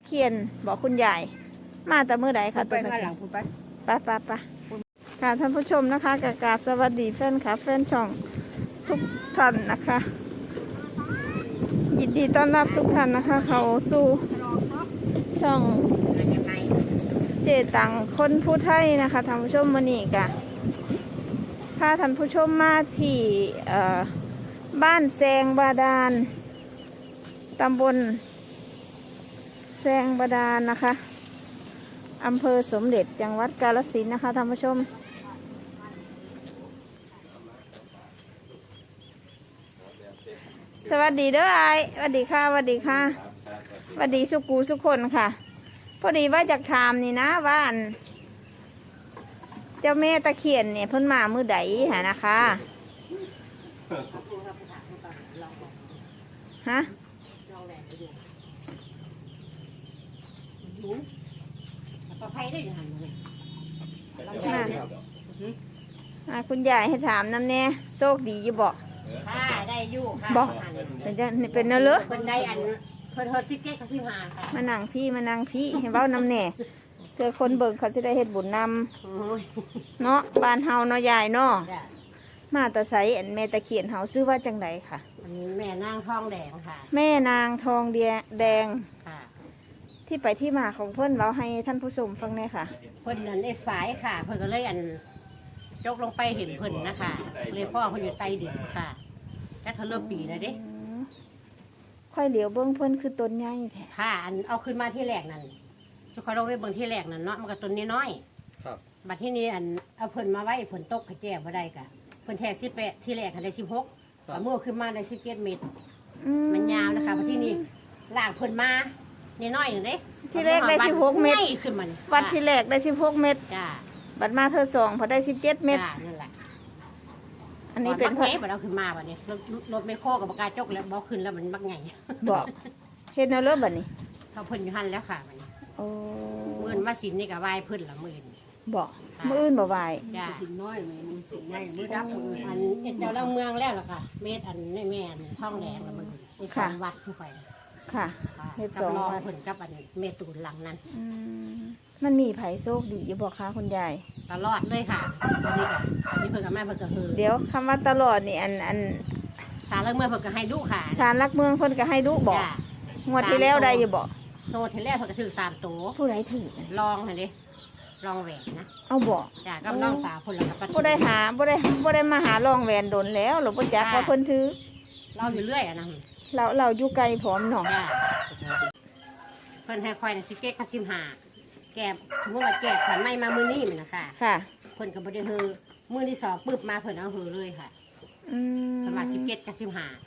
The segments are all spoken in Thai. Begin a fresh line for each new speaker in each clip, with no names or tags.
เคียนบอกคุณยายมาแต่เมื่อใดค่ะ
ไปมาหลังคุณไป
ไปค่ะท่านผู้ชมนะคะกราบสวัสดีแฟนค่ะแฟนช่องทุกท่านนะคะ ยินดีต้อนรับทุกท่านนะคะเขาสู่ช่องเจตังคนผู้ไทยนะคะท่านผู้ชมมื้อนี้กะพาท่านผู้ชมมาที่บ้านแซงบาดาลตำบลแซงบาดาลนะคะอำเภอสมเด็จจังหวัดกาฬสินธุ์นะคะท่านผู้ชมสวัสดีเด้อไอสวัสดีค่ะสวัสดีค่ะสวัสดีสุกูสุกคนค่ะพอดีว่าจากถามนี่นะว่าเจ้าแม่ตะเคียนเนี่ยเพิ่นมามื้อใดหานะคะฮะคุณยายให้ถามน้ำแน่โชคดีอยู่บอก
ค่ะได้อยู่ค่ะ
บอกเป็นเนอะเลย
เป็นได้อันเพิ่นเฮอซิเก็ตกับพี่มาค่ะ
มานั่งพี่ให้เว้าน้ำแน่เธอคนเบิ่งเขาจะได้เฮ็ดบุญนำเนาะบ้านเฮาเนาะยายเนาะมาตะไสอันแม่ตะเคียนเฮาซื้อว่าจังไดค่ะ
แม่นางทองแดงค่ะ
แม่นางทองแดง
ค่ะ
ที่ไปที่มาของเพิ่นเราให้ท่านผู้ชมฟังแน่ค่ะ
เพิ่นนั่นได้ฝายค่ะเพิ่นก็เลยอันจกลงไปเห็นเพิ่นนะคะเลยพ่อเพิ่นอยู่ใต้ดินค่ะแค่เธอเริ่มปีนะเด้
ค่อยเหลียวเบิ้งเพิ่นคือต้นใหญ่แท้
ค่ะอันเอาขึ้นมาที่แรกนั่นสุขเราไปเบิ้งที่แรกนั่นเนาะมันก็ต้นน้อย
ครับ
บัดที่นี้อันเอาเพิ่นมาไว้เพิ่นตกขแก่บ่ได้กะเพิ่นแทก18ที่แรกได้16เอามือขึ้นมาได้17เมตรมันยาวนะคะบัดที่นี้ลากเพิ่นมาน้อยๆนึงเด้
ที่แรกได้16เมตร
ขึ้นมา
วัดที่แรกได้16เมตร
จ้า
บัดมาเธอ2พอได้17เมตร
จ้านั่นแหละ
อันนี้เป็น
เพราะบัดเอาขึ้นมาบัดนี้รถไม่โคกับกาจกแล้วบ่ขึ้นแล้วมันบักใหญ่
บอกเฮ็ดแนวเลิศบัดนี้
เขาเพิ่นอยู่หั่นแล้วค่ะบัดนี้
โอ้
มื้อมาสินนี่ก็ไหว้เพิ่นละมื้อนี้
บอกมื้ออื่นบ่ไหว้
จ้าสินน้อยมื้อสินใหญ่มื้อรับมื้ออันเฮ็ดเจ้าเมืองแล้วล่ะค่ะเม็ดอันนี่แม่นทองแดงละมื้ออีก2วัดทุกไป
ค่ะเฮ็ด2วัด
เพิ่นกับอันเมตูนหลังนั้น
มันมีไผโชคดีอยู่บ่คะคุณยาย
ตลอดเลยค่ะนี่ค่ะนี่เพิ่นกับแม่เพิ่นก็คือ
เดี๋ยวคำว่าตลอดนี่อัน
ศาลหลักเมืองเพิ่นก็ให้ดุค่ะ
ศาลหลักเมืองเพิ่นก็ให้ดุบ่งวดที่แล้วได้อยู่บ่
โตที่แล้วเพิ่นก็ถือ3ตัว
ผู้ใดถือ
ลองหั่นดิลองแหวนนะ
เอาบ่
จ้ะกับน้องสาวเพิ่นแล้วก็
บ่ได้มาหาลองแหวนโดนแล้วหรือบ่จักว่าเพิ่นถือ
เราอยู่เรื่อยอ่ะนะ
เราอยู่ไกลพร้อมเนาะ
จ้ะเพิ่นให้ค่อยน่ะสิเก็ต15แกสมมุติว่าแกะขวัญใหม่มามื้อนี้มันน่ะค่ะ
ค่ะ
เพิ่นก็บ่ได้ฮือมื้อที่2ปึ๊บมาเพิ่นเอาฮือเลยค่ะประมาณ17กับ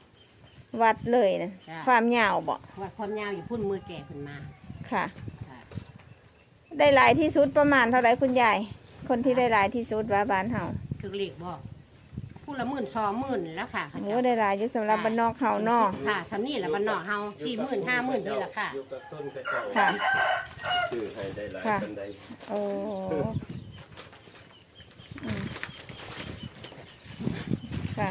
15
วัดเลยนะความยาวบ่
วัดความยาวอยู่พุ่นมือแก่เพิ่นมา
ค่ะได้หลายที่สุดประมาณเท่าไหร่คุณยายคนที่ได้หลายที่สุดว่าบ้านเฮา
ถึกเลขบ่ผู้ละ10,000 20,000แล้วค่ะ
โอ้ได้หลายอยู่สำหรับบ้านนอกเฮาเนาะ
ค่ะสำนี้แหละบ้านนอกเฮา40,000 50,000นี่แหละค่ะ
ค่ะ
ชื่อให้ได้หลายปานใด
โอ้ค่ะ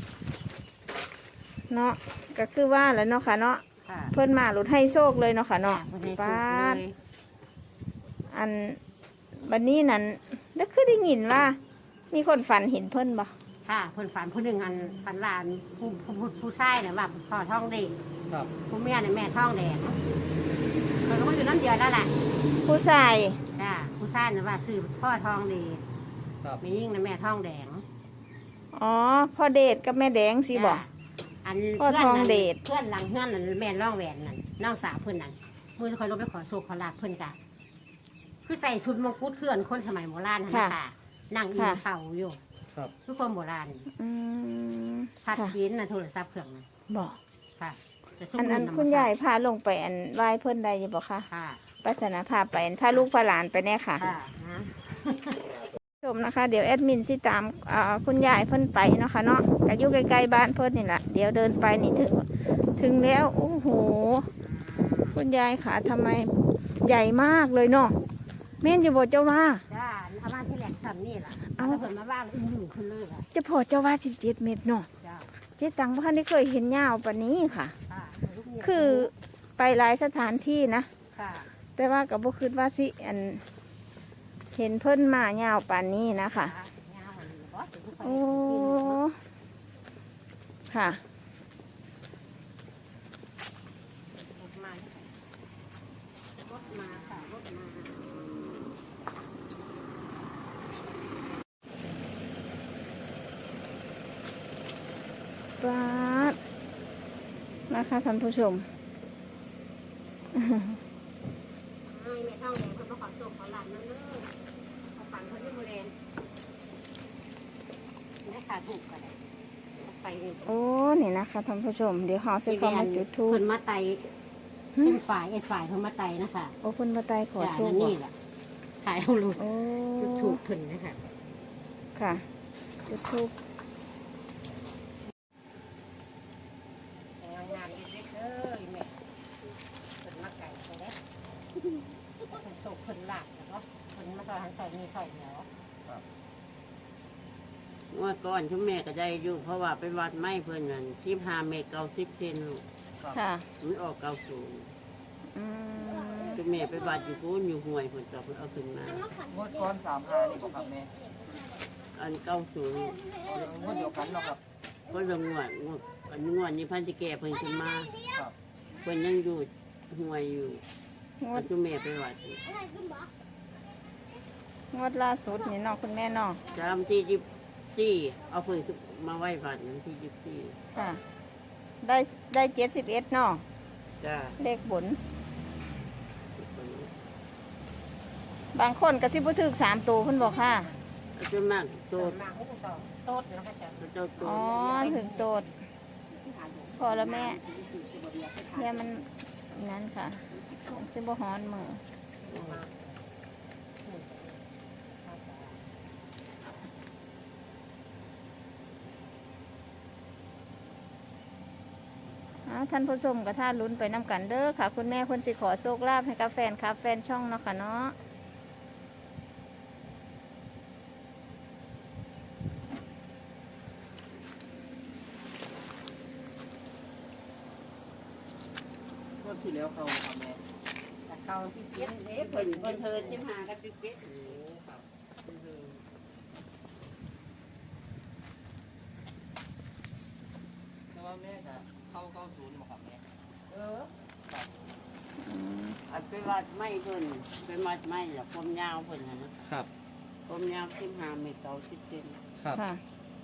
เนาะก็คือว่าแล้วเนาะค่ะเนาะเพิ่นมาหลุดให้โชคเลยเนาะค่ะเนาะป้าอันบัดนี้นั่นแล้วคือได้ยินว่ามีคนฝันเห็นเพิ่นบ่
ค่ะเพิ่นฝันผู้หนึ่งอันฝันว่าผู้ชายเนี่ยว่าพ่อท้องเด็กผู้แม่เนี่ยแม่ท้องแดงเพิ่นก็มาอยู่น้ำเดียวนั่นแหละ
ผู้ชาย
จ้าผู้ชายเนี่ยว่าคือพ่อท้องเด็กมียิ่งนะแม่ท้องแดง
อ๋อพ่อเดชกับแม่แดงสิบ่
อันเพื่อนเดชเพื่อนหลังเพื่อนนั่นแม่ร่องแหวนนั่นน้องสาวเพื่อนนั่นมือคอยลบไปขอโศกขอลาเพื่อนกันคือใส่ชุดมงกุฎเพื่อนคนสมัยโบราณนะคะนั่งอยู่เสาอยู่ทุกคนโบราณชัดเจนนะโทรศัพท์เครื่องนั้น
บอก
ค่ะ
อันคุณยายพาลงไปอันไหว้เพื่อนใดอยู่บ่คะปัสนาพาไปพาลูกพาหลานไปแน่ค่ะชมนะคะเดี๋ยวแอดมินสิตามคุณยายเพิ่นไปเนาะค่ะเนาะก็อยู่ใกล้ๆบ้านเพิ่นนี่แหละเดี๋ยวเดินไปนี่ถึงแล้วโอ้โหคุณยายขาทำไมใหญ่มากเลยเนาะแม่นอยู่บ่เจ้าว่า
จ้าอามาที่แหลกซ้ำนี่แหละเอาเพิ่นมาบ้านอยู่ขึ้นเลย
จะพอเจ้าว่า17 เมตรเนาะเจ๊ตังพ่อได้เคยเห็นยาวปานนี้ค่ะคือไปหลายสถานที่นะ
ค่ะ
แต่ว่าก็บ่คิดว่าสิอันเห็นเพิ่นมายาวปานนี้นะคะ
ยาวอันนี้บ่ถึงค่อย
โอ้ค่ะ
รถมาค่ะรถมา
ปาดนะคะท่านผู้ชม
ให้แม่ท่องแดงเพิ่นมาขอส่งขอหลานนั่นเด้อเอาปันเพิ่นที่โมเลนแม่ขาถูกก็ได้เอาไปนี่
โอ้นี่นะคะท่านผู้ชม เดี๋ยวหอสิขอมาจุดทูป
เพิ่นมาไต่ขึ้นฝ่ายเพิ่นมาไต่นะคะ
โอ้เพิ่นมาตายขอ
จ้ะ
โชค
นั่น
บ่
นี่แหละถ่ายเอาลูก
โอ้
จุดถูกเพิ่นนะคะ
ค่ะจุดทูป
งานเล็กๆเด้อแม่เพิ่นมาไก่ไปเด้เพิ่นโศกเพิ่นหลากแล้วก็เพิ่นมาซอยหันซอยนี่ซอยแล้ว
เมื่อก่อนชุมแม่ก็ได้อยู่เพราะว่าไปวัดไม้เพื่อนนั่น15 เมตร 90 เซนลูก
ค่ะ
มันออกเก้าสูง
อืม
ชุมแม่ไปวัดอยู่พูนอยู่ห้วยเพื่อนก็เพิ่นเอาขึ้นมาง
วดก้อน3 5นี่บ่ครับแม่
อันเก้าสูง
งวดเดียวกันเนาะครับ
ก็ลงงวดนี้พันจะแก่เพิ่นขึ้นมา
ครับ
เพิ่นยังอยู่ห้วยอยู่
งวด
ชุมแม่ไปวัดอยู่
งวดล่าสุดนี่เนาะคุณแม่เนาะ
จำที่24เอาเพิ่นขึ้นมาไหว้วัดนั้นที่24
ค่ะ ได้71เนาะ
จ้า
เลขบน บางคนก็สิบ่ถึก3ตัวเพิ่นบอกค่ะ
อาจารย์มากโต
มาให้สองโต๊ดนะคะจ้ะ
เจ้าโต
อ๋อถึงโตดพอแล้วแม่เนี่ยมันนั้นค่ะมันสิบ่ฮ้อนมือท่านผู้ชมกับท่านลุ้นไปน้ำกันเด้อค่ะ คุณแม่คนสิขอโชคลาภให้กับแฟนครับแฟนช่องเนาะค่ะเนาะ
งวดที่แล้วเขาครับแม่
แต่เขาที่เก็บ
เอ๊ะเพิ่นเทิน15กับ17
แต่ว่าแม่ก็เข้า90บ่ครับแม่
อันไปวัดไม้เพิ่นไปวัดไม้แล้วผมยาวเพิ่นน่ะนะครับ ผมยาว15 เมตร 90 เซน
ครับ
ค่ะ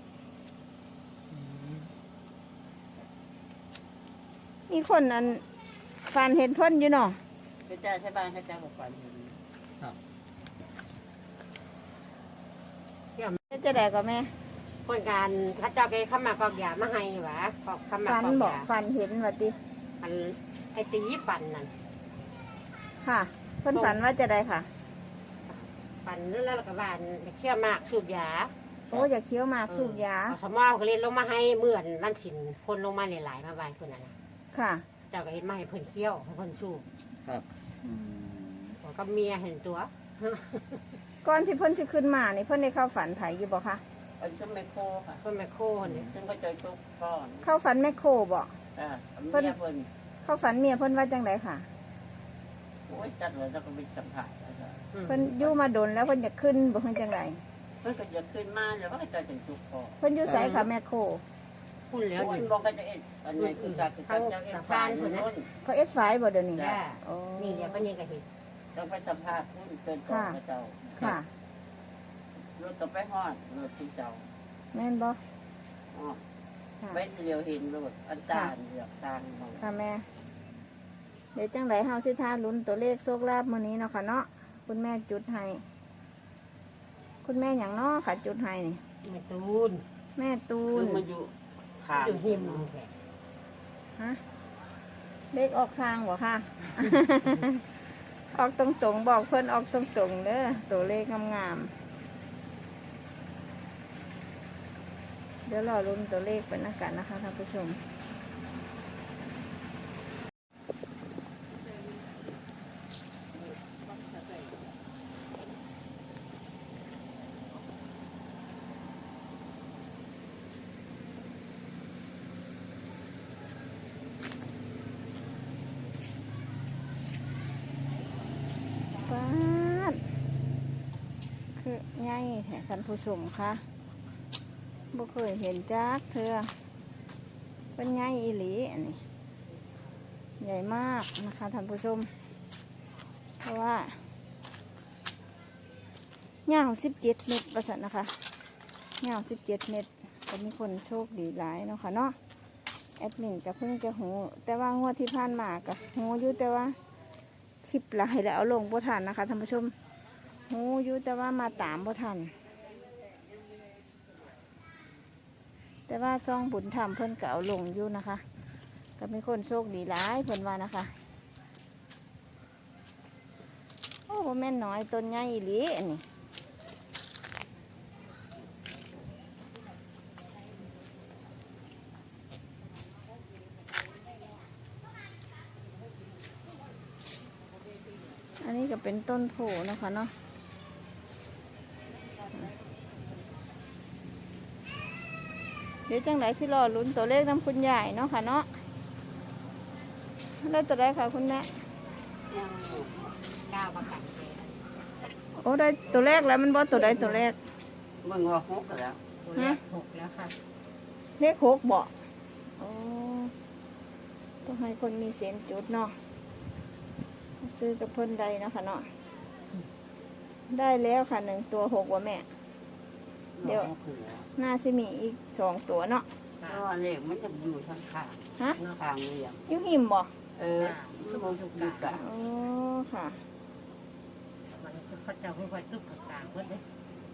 มีคนนั้นฟันเห็นเพ่นอยู่เนาะ
พระเจ้าใช่บ้านพระเจ้าบอกฝันเห็น
จะได้ก็แม่
คนการข้าเจ้าแกเข้ามากอกยามาให้หวะกอกเข้ามา
ฟัน
กอก
บอก
ยา
ฟันเห็นว่าติ
อันไอตีฟันนั่น
ค่ะเพิ่นฝันว่าจะได้ค่ะ
ฟันแล้วก็บานเชี่ยวมากสูบยา
โอ้อยากเคี้ยวหมากสูบยา
เอาสมอก็เล่นลงมาให้เหมือนมันสินคนลงมาหลายๆมาไว้เพื่อนน่ะนะ
ค่ะ
เจ้าก็เห็นมาให้เพิ่นเคี้ยวให้เพิ่นสูบ
ครับ
แล้วก็เมียเห็นตัว
ก่อนที่เพิ่นจะขึ้นมานี่เพิ่นได้เข้าฝันไผอยู่บ่คะ
อันซึ่งไมโครค่ะ
เพิ่นแม่โคนี่
ซึ่งพระเจ้าทุกก้อน
เข้าฝันแม่โคบ่
อ่า
เพิ่น
เมียเพิ่น
เข้าฝันเมียเพิ่นว่าจังไดค่ะ
โอ้ยจัดเลยแล้วก็ไปสัมผัสแล้วก็
เพิ่นอยู่มาดนแล้วเพิ่นจะขึ้นบ่เพิ่นจังได
เพิ่นก็จะขึ้นมาแล้วก็จะถึงทุกก้อน
เพิ่นอยู่ไสค่ะแม่โค
พูดแล้ว
โอ้ย
นี่
บอกก็จะเอ็ดอันนี้คือการคือการจะเอ็ดฟ้าอยู่นู้น
เขาเอสไฟบ่เดี๋ยวนี้
จ้า
โอ้
นี่เดี๋ยวก็นี่ก็เห็น
ต้องไปสัมภาษณ์พุ่นเป็นก่อนพระเจ้า
ค่ะ
รถต้องไปฮอดรถที่เจ้า
แม่นบ่
อ๋อ
ค่ะ
ไปเดียวเห็นรถอันจานเหลือกตางมอง
ค่ะแม่ เดี๋ยวจังไดเฮาสิทาลุ้นตัวเลขโชคลาภมื้อนี้เนาะค่ะเนาะคุณแม่จุดให้คุณแม่หยังเนาะค่ะจุดให้นี่
แม่ตูน
แม่ตู
คื
น
อมันอยู่ขาง
อยู่หิมแขก
ฮะเลขออกข้างบ่ค่ะ ออกตรงๆบอกเพิ่นออกตรงๆเด้อตัวเลขงามๆเดี๋ยวรอลุ้นตัวเลขไปนะกันนะคะท่านผู้ชมดคือใหญ่แท้ท่านผู้ชมคะบ่เคยเห็นจักเธอเป็นใหญ่อีหลีอันนี้ใหญ่มากนะคะท่านผู้ชมเพราะว่ายาว17 เมตรประสันนะคะยาว17 เมตรก็มีคนโชคดีหลายเนาะค่ะเนาะแอดมินก็เพิ่งจะหูแต่ว่างวดที่ผ่านมาก็หูอยู่แต่ว่าคลิปหลายแล้วเอาลงบ่ทันนะคะท่านผู้ชมหูอยู่แต่ว่ามาตามบ่ทันแต่ว่าซองบุญธรรมเพิ่นก็เอาลงอยู่นะคะก็มีคนโชคดีหลายเพิ่นว่านะคะโอ้บ่แม่นน้อยต้นใหญ่อีหลีอันนี้อันนี้ก็เป็นต้นโพนะคะเนาะเดี๋ยวจังไหนสิรอลุ้นตัวเลขน้ำคุณยายเนาะค่ะเนาะได้ตัวใดค่ะคุณแม่
ยังอยู่
ก้าวประกันเจ
โอ้ได้ตัวแรกแล้วมันบ่ตัวใดตัวแรก
เบิ่งว่า6แล้ว
ตัวแรก6แล้วค่ะ
เลข6บ่โอ้ต้องให้คนมีเส้นจุดเนาะซื้อกับเพิ่นใดเนาะค่ะเนาะได้แล้วค่ะ1 ตัว6ว่ะแม่ เดี๋ยว น่าสิมีอีก2 ตัวเนาะ
เพราะว่าเลขมันจะอยู่ทางข้าง
ฮะ
ข้างเรียง
อยูหิมบ่
มันบ่ถูกกะ
โอ้ค่ะ
มันจะเขาจะค่อยๆตึ๊บกลางเพิ่นเลย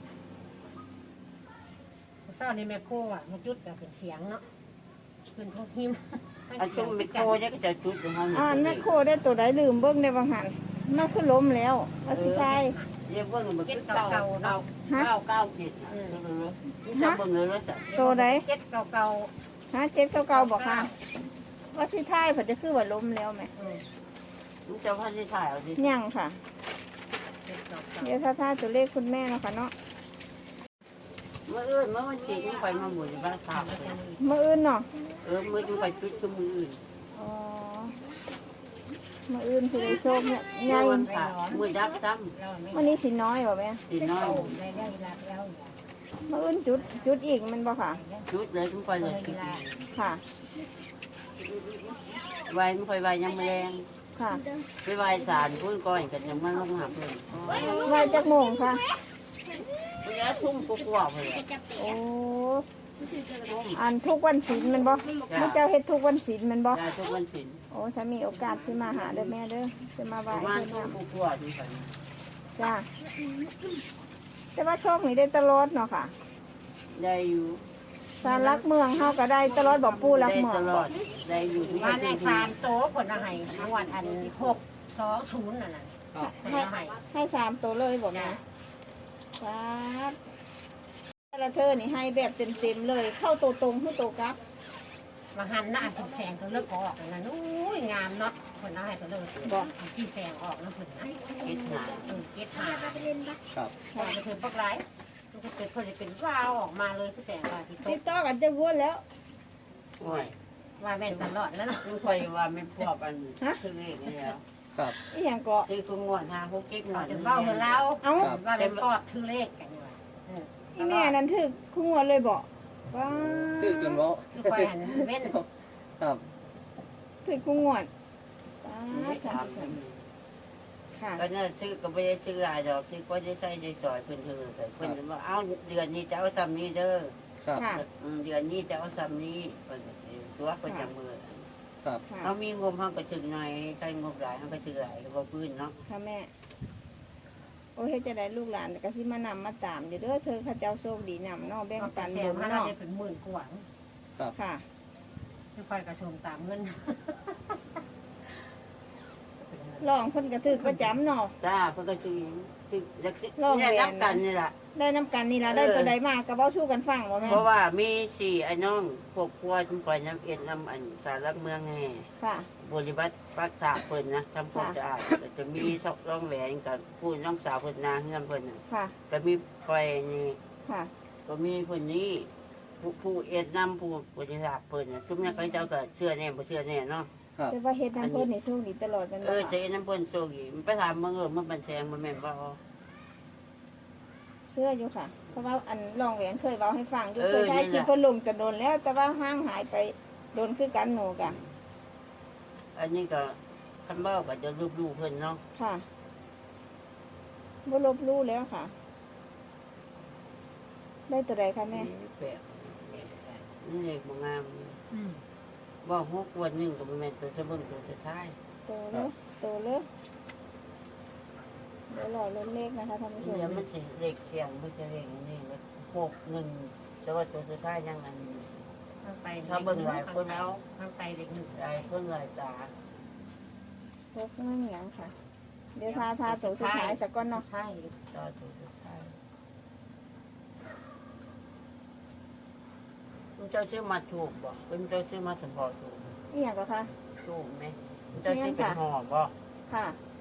เศร้าในแม่โคอ่ะมันจุดแต่เป็นเสียงเนาะขึ้นทุกหิม
อันจุ่มไมโครจะก็จะจุดอยู่ห้อง
อ่านแม่โคได้ตัวใดลืมเบิ่งในบางหันมันคือล้มแล้วว่าสิทาย
เรียกเบิ่งมัน
เก็ด
คือ
เก่าๆเนาะ
ฮะ
9ผิดจะเบิ่งเลยแล้วจ้ะ
ตัวใด
เก็ดเก่า
ฮะ7 9บอกค่ะ ว่าสิทายเพิ่นจะคือว่าล้มแล้วไหม
ๆ
มันจะพันที่ถ่ายเอาดิ
ยังค่ะ
เก็ดเก่า
เดี๋ยวถ้าตัวเลขคุณแม่เนาะค่ะเนาะ
เมื่อวันจีนไปมาหมดบ้านข่าว
มื้ออื่นเนาะ
เมื่อจะไปจุดก็มืออื่น
อ๋อมื้ออื่นสิได้โชคเนี่ยใหญ่
มือยักษ์ซ้
วันนี้สิน้อยบ่แม่
ำตีน้อย
ได้ได้แล้ว
มื้ออื่นจุดอีกมันบ่ค่ะ
จุดเลยทุกคนเลย
ค่ะ
ไวไม่ค่อยไวยังไม่แรง
ค่ะ
ไปไวสารพุ่นก้อยกันยังมันลงหาเพื่อน
ไหวจักโมงค่ะ
เวลาทุ่มกว่าเพื่อน
โอ้อันทุกวันศีลแมันบ่พระเจ้าเฮ็ดทุกวันศีลแมันบ่
ได้ทุกวันศิล
โอ้ถ้ามีโอกาสสิมาหาเด้อแม่เด้อจะมาไห
ป
ว้
ระมาณ
เพิ่น
ทุ่
น
มกว่าดีกัน
ำจ้าแต่ว่าโชคนี่ได้ตลอดเนาะค่ะ
ได้อยู่
สารลักเมืองเฮาก็ได้ตลอดบ่ปู่รัก
ได้
เมือง
ตล
บ่
อดได้อยู่ทุก
มา
วัน
ใน
ที่
3โต๊ะผลอะไรทั้งวันอัน620นั่นน่ะผล
ให้
อะไร
ให้3ตัวเลยบ่แม่ครับแต่ละเธอนี่ให้แบบเต็มๆเลย เข้าตัวตรงคือตัวกลับ
มาหันหน้าถึงแสงก็เลิกออกนั่นอุ้ยงามเนาะผลอะไรก็เลิกบอกที่แสงออกแล้วผลนะ
คิดหา
เก็ตหา
ครับ
พอมาถึงปักไรมันก็เป็นพอจะเป็นวาวออกมาเลยแสงว่าที่
ติ
ต
ด
ก
ต่อกันจะวนแล้ว
โอ้ย
ว่าแม่นตลอดแล้วเนาะ
ไม่ค่อยว่าไม่พอปันคือเลขนี่แล้ว
ครับ
อีหยังก็
คือกูงวดหาพวกกิ๊กงวด
เดี๋ยวเบ้าเหมือนเรา
เอ้า
ว่าเป็นปอบคือเลขกันอยู่
อีแม่นั่นถึกคู่งวดเลยบ่ว้า
คือจนว่า
ทุกคนหันเว้น
ครับ
ถึกคู่งวดว้า
ไม่
จ้ะ
ถามกัน
ค่ะ
ก็น่าซื้อก็ไม่ได้ซื้ออะไรดอกซื้อก็จะใส่ได้สอยเพิ่นเธอแต่เพิ่นว่าเอ้าเดือนนี้จะเอาซ้ำนี้เด้อ
ครับ
ค่ะ
เดือนนี้จะเอาซ้ำนี้เพิ่นตัวเพิ่นจะมือ
ครับ
ค่ะ
เขามีงบเขาก็ถึงหน่อยใครงบหลายเขาก็ถือหลายก็พื้นเนาะ
ค่ะแม่ โอ้เฮ็ดจะได้ลูกหลานก็สิมานำมาตามอยู่เด้อเธอข้าเจ้าโชคดีนำเนาะแบ่ง
เอา
ปั
แต่
น
แส
บุ
ง
ญ
มาเรา
เนาะ
จะเป็นหมื่นกว่า
ค่ะ
ทุกคนกระทรวงตามเงิน
ลองเพิ่นก็ถึกประจำเนาะ
จ้าเพิ่นก็ถือรักษ
ลองแหวน
เนี่ยนับกันนี่แหละ
ได้น้ำกันนี่ล่ะได้ตัวใดมาก็เว้าสู้กันฟังบ่แม่
เพราะว่ามีสี่ไอ้น้องพวกครัวจุ่มปล่อยน้ำเอ็ดน้ำอันสารหลักเมืองแห่
ค่ะ
บริบัติรักษาเพิ่นนะทำความสะอาดก็จะมีซอกร่องแหวนกับผู้น้องสาวเพิ่นนาเฮือนเพิ่นน่ะ
ค่ะ
ก็มีไฟนี่
ค่ะ
ก็มีเพิ่นนี้ผู้เอ็ดน้ำผู้บริจาคเพิ่นน่ะทุกอย่างเขาเจ้าก็เชื่อแน่บ่เชื่อแน่เนาะ
ครับ
แต่ว่าเฮ็ดน้ำเพิ่นนี่โชคดีตลอดมัน
เอ
บ่
อ
ค่ะ
เจ๊น้ำเพิ่นโชคดีมันไปถามมึงมันบันแจงมันแม่นบ่เอา
เชื่ออยู่ค่ะ เพราะว่าอันรองแหวนเคยเว้าให้ฟังอยู่
เออ
เคยถ่าย
นี่
คลิป
แหละ
เพิ่นลงแต่โดนแล้ว แต่ว่าห่างหายไปโดนคือกันหนูกะ
อันนี้ก็คันเบ้าก็จะรูปๆเพิ่นเนาะ
ค่ะบ่ลบลู่แล้วค่ะ ได้ตัวใดคะแม่
แปลกนี่เด็กบ่งามว่าฮกวันหนึงก็บ่แม่นตัวจะเบิ่งตัวจะท้าย
โตเลยโตเลยเดี๋ยวรอลุ้นเลขนะคะท่านผู้ชม
เดี๋ยวมันสิเลขเสียงมันจะเลขอันนี้แล้ว61แต่ว่าตัวจะท้ายยังอันนี้ ถ้าเบิ่งหลายคนเอา
ข้างไตเด็กหนึ่ง
ได้เพิ่นหลายตา
พกนั่งหยังค่ะ เดี๋ยวทาตัวสุดท้ายสักก้อนเนาะ
ใช่
ตาตัวจะท้ายคุณเจ้าชื่อมาถูกบ่คุณเจ้าชื่อมาสมบ่ถูก
นี่หยังก็ค่ะ
ถูกไหมคุณเจ้าชื่อเป็นห่อบ่
ค่ะ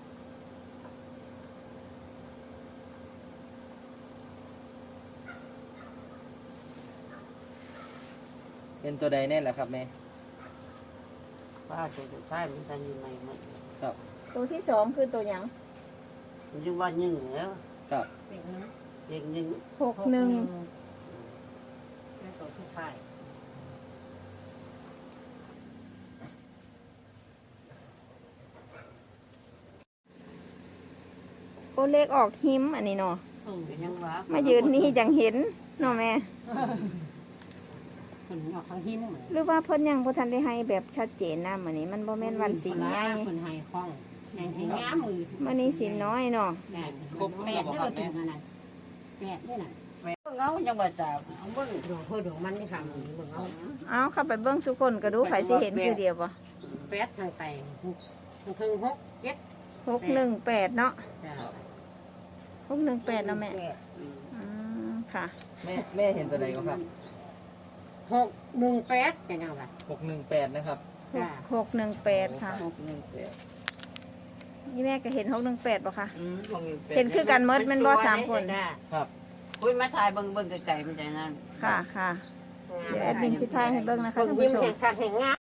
เป็นตัวใดแน่แหละครับแม่
ป้าตัวจะท้ายมันจะอยู่ในมัน
ครับ
ตัวที่สองคือตัวหยัง
มันอยู่ว่า1แล้ว
ครับ
เด็กหนึ่ง
เด็กหนึ่ง
61
แม่ตัวที่ไทย
โอเลขออกหิมอันนี้เนาะ
เป็นยังวะ
มายืนนี่จังเห็นเนาะแม่
คนออกทางหินเหมือน
หรือว่าเพิ่นยังบ่ทันได้ให้แบบชัดเจนนะมื้อนี้มันบ่แม่นวันศีลใหญ่
คนไทยคล่องแห่งที่งามมือ
มื้อนี้ศีลน้อยเนาะ
แปดแปดได้เราถึงขนาดแปดได้น่ะ
เงายังบ่ตามเอาเบิ่ง
ดวงเพื่อดวงมันที่ทำมือเบิ่งเอา
เอาเข้าไปเบิ่งทุกคนก็ดูไผสิเห็นคือเดียวบ่
แปดทางไตถึงหกเจ็ด
618เนาะ
จ้ะ
618เนาะแม่
อืม
อืมค่ะ
แม่เห็นตัวใดก็ครับ
618จะยังไง
618นะครับ
จ้ะ
618ค่ะ
618
นี่แม่ก็เห็น618บ่คะ
618
เห็นคือกันหมดแมันบ่สามคน
จ้ะ
ครับ
คุยมาถ่ายเบิ่งไกลๆมันใจนั้น
ค่ะค่ะ เดี๋ยวแอดมินสิทายให้เบิ่งนะคะท่าน
ยิ้
ผู้
ม
ชม
แห่งสัตว์แห่งงาม